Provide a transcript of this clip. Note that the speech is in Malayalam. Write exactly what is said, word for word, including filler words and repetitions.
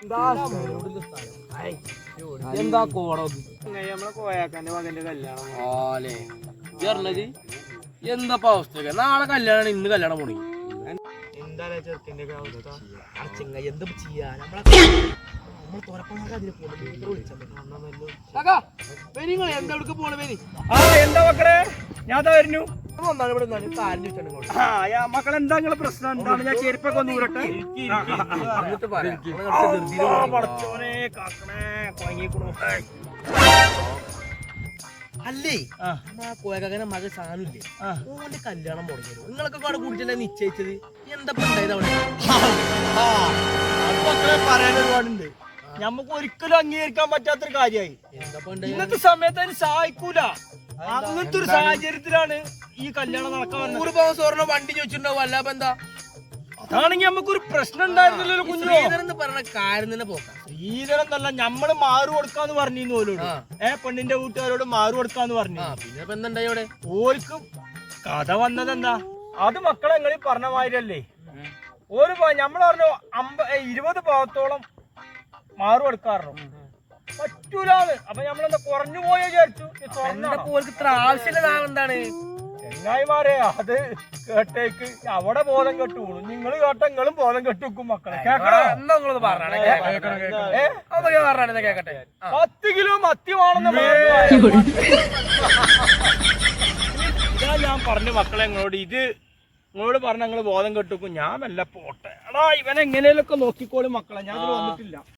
എന്താ കോടം നമ്മളെ കോയാക്കാന്റെ മകന്റെ കല്യാണം ആലേ പറഞ്ഞത് എന്താ അവസ്ഥ നാളെ കല്യാണം ഇന്ന് കല്യാണം പോണി എന്താ ചെറുക്കിന്റെ അവസ്ഥ ചെങ്ങ എന്താ ചെയ്യാ നമ്മളെ എന്താ പോണ പേര് ആ എന്താ മക്കളെ ഞാൻ വരുന്നു ഒന്നാണ് ഇവിടെ കാര്യം ചോദിച്ചാണ് ആ മക്കളെന്താ നിങ്ങളെ പ്രശ്നം എന്താണ് ഞാൻ ചെരുപ്പൊക്കെ ഒന്ന് ഊരട്ടെ എന്നിട്ട് പറയാം പടച്ചോനെ കാക്കണേ കൊയങ്ങിക്കണു അല്ലേ കോയക്കാകനെ മകൻ സാധനമില്ലേ ഓന്റെ കല്യാണം മുടങ്ങിയത് നിങ്ങളൊക്കെ കൂടെ കൂടിച്ചല്ലേ നിശ്ചയിച്ചത് എന്താ ഉണ്ടായത് അവിടെ മക്കളെ പറയാൻ ഒരുപാടുണ്ട് ഞമ്മക്ക് ഒരിക്കലും അംഗീകരിക്കാൻ പറ്റാത്തൊരു കാര്യമായി ഇന്നത്തെ സമയത്ത് അതിന് സഹായിക്കൂല അങ്ങനത്തെ ഒരു സാഹചര്യത്തിലാണ് ഈ കല്യാണം നടക്കാൻ നൂറ് പവൻ സ്വർണ്ണം വണ്ടി ചോദിച്ചിട്ടുണ്ടാവും അല്ലാപ്പ എന്താ അതാണെങ്കിൽ നമുക്കൊരു പ്രശ്നം ഉണ്ടായിരുന്നില്ലല്ലോ കുഞ്ഞു ശ്രീധരൻ പറഞ്ഞ കാര്യം തന്നെ പോക്കാം ശ്രീധരൻ എന്നല്ല ഞമ്മള് മാറു കൊടുക്കാന്ന് പറഞ്ഞിരുന്നു ഓരോട് ഏ പെണ്ണിന്റെ വീട്ടുകാരോട് മാറു കൊടുക്കാന്ന് പറഞ്ഞു പിന്നെ ഇപ്പൊ എന്തുണ്ടായി അവിടെ ഓർക്കും കഥ വന്നത് എന്താ അത് മക്കളെ എങ്ങളിൽ പറഞ്ഞ മാതിരിയല്ലേ ഒരു ഞമ്മള് പറഞ്ഞു അമ്പ ഇരുപത് പാവത്തോളം മാറു കൊടുക്കാറുണ്ട് പറ്റൂലാന്ന് അപ്പൊ നമ്മളെന്താ കുറഞ്ഞു പോയോ വിചാരിച്ചു ഇത്ര ആവശ്യമില്ല എന്താണ് ചെങ്ങായിമാരെ അത് കേട്ടേക്ക് അവിടെ ബോധം കെട്ടു വീണു നിങ്ങള് കേട്ട നിങ്ങളും ബോധം കെട്ടുവെക്കും മക്കളെ കേക്കട്ടെ പത്ത് കിലോ മത്തി വേണമെന്ന് ഇതാ ഞാൻ പറഞ്ഞു മക്കളെ നിങ്ങളോട് ഇത് നിങ്ങളോട് പറഞ്ഞ നിങ്ങള് ബോധം കെട്ടുവെക്കും ഞാൻ മെല്ലെ പോട്ടെ എടാ ഇവനെങ്ങനെയൊക്കെ നോക്കിക്കോളും മക്കളെ ഞാൻ വന്നിട്ടില്ല